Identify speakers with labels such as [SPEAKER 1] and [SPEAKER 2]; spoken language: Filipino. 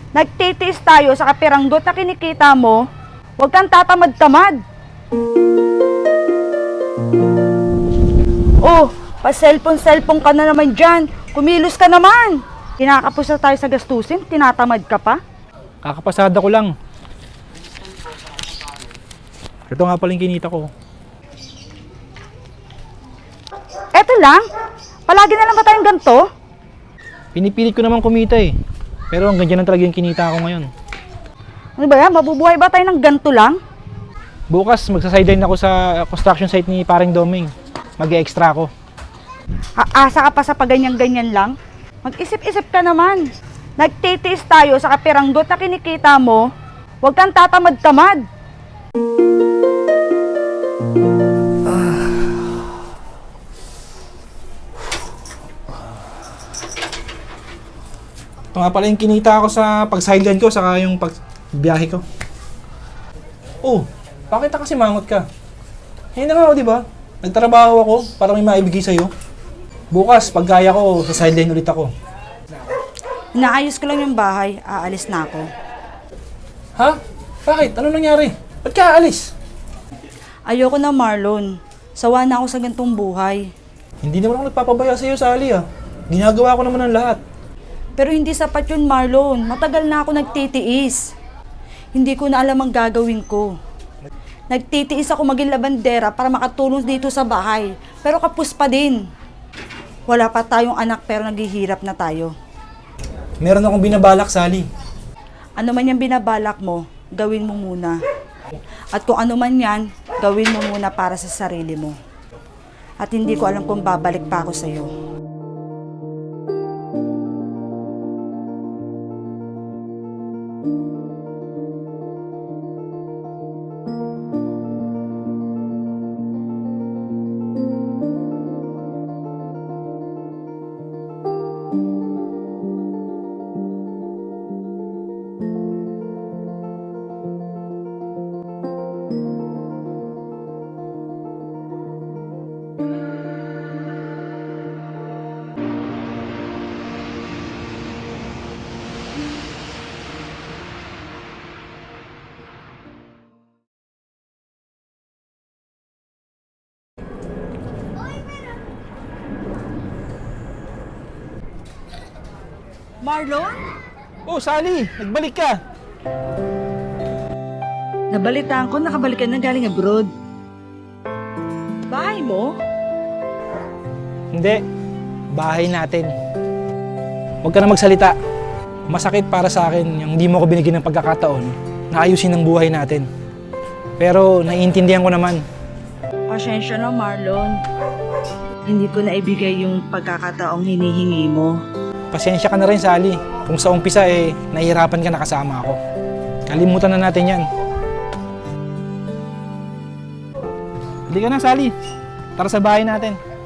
[SPEAKER 1] Nagtitiis tayo sa kapiranggot na kinikita mo, huwag kang tatamad-tamad. Oh, pa-cellphone ka na naman dyan. Kumilos ka naman. Kinakapos na tayo sa gastusin, tinatamad ka pa.
[SPEAKER 2] Kakapasada ko lang. Ito nga pala yung kinita ko.
[SPEAKER 1] Eto lang, palagi na lang ba tayong ganito?
[SPEAKER 2] Pinipilit ko naman kumita eh. Pero hanggang dyan lang talaga yung kinita ko ngayon.
[SPEAKER 1] Ano ba yan, mabubuhay ba tayo ng ganito lang?
[SPEAKER 2] Bukas magsa-sideline ako sa construction site ni Paring Doming. Mag-e-extra ako.
[SPEAKER 1] Aasa ka pa sa paganyan-ganyan lang? Mag-isip-isip ka naman. Nagtitiis tayo sa kapiranggot na kinikita mo, huwag kang tatamad-tamad.
[SPEAKER 2] Ito nga pala yung kinita ko sa pag-sideline ko saka yung pagbiyahe ko. Oh, bakit kasi mangot ka? Ngayon na nga ako, di ba? Nagtrabaho ako para may maibigay sa'yo. Bukas, pag kaya ko, sa sideline ulit ako.
[SPEAKER 1] Inaayos ko lang yung bahay, aalis na ako.
[SPEAKER 2] Ha? Bakit? Ano nangyari? Ba't ka aalis?
[SPEAKER 1] Ayoko na, Marlon. Sawa na ako sa gantong buhay.
[SPEAKER 2] Hindi naman ako nagpapabaya sa'yo, Sally ah. Ginagawa ko naman ang lahat.
[SPEAKER 1] Pero hindi sapat yun, Marlon. Matagal na ako nagtitiis. Hindi ko na alam ang gagawin ko. Nagtitiis ako maging labandera para makatulong dito sa bahay. Pero kapos pa din. Wala pa tayong anak pero naghihirap na tayo.
[SPEAKER 2] Meron akong binabalak, Sally.
[SPEAKER 1] Ano man yung binabalak mo, gawin mo muna. At kung ano man yan, gawin mo muna para sa sarili mo. At hindi ko alam kung babalik pa ako sa'yo. Marlon?
[SPEAKER 2] Oh, Sally! Nagbalik ka!
[SPEAKER 1] Nabalitaan ko, nakabalik ka na galing abroad. Bahay mo?
[SPEAKER 2] Hindi. Bahay natin. Huwag ka na magsalita. Masakit para sa akin yung hindi mo ko binigyan ng pagkakataon na ayusin ang buhay natin. Pero naiintindihan ko naman.
[SPEAKER 1] Pasensya na, Marlon. Hindi ko na ibigay yung pagkakataong hinihingi mo.
[SPEAKER 2] Pasensya ka na rin, Sally. Kung sa umpisa nahihirapan ka na kasama ako. Kalimutan na natin yan. Hindi ka na, Sally. Tara sa bahay natin.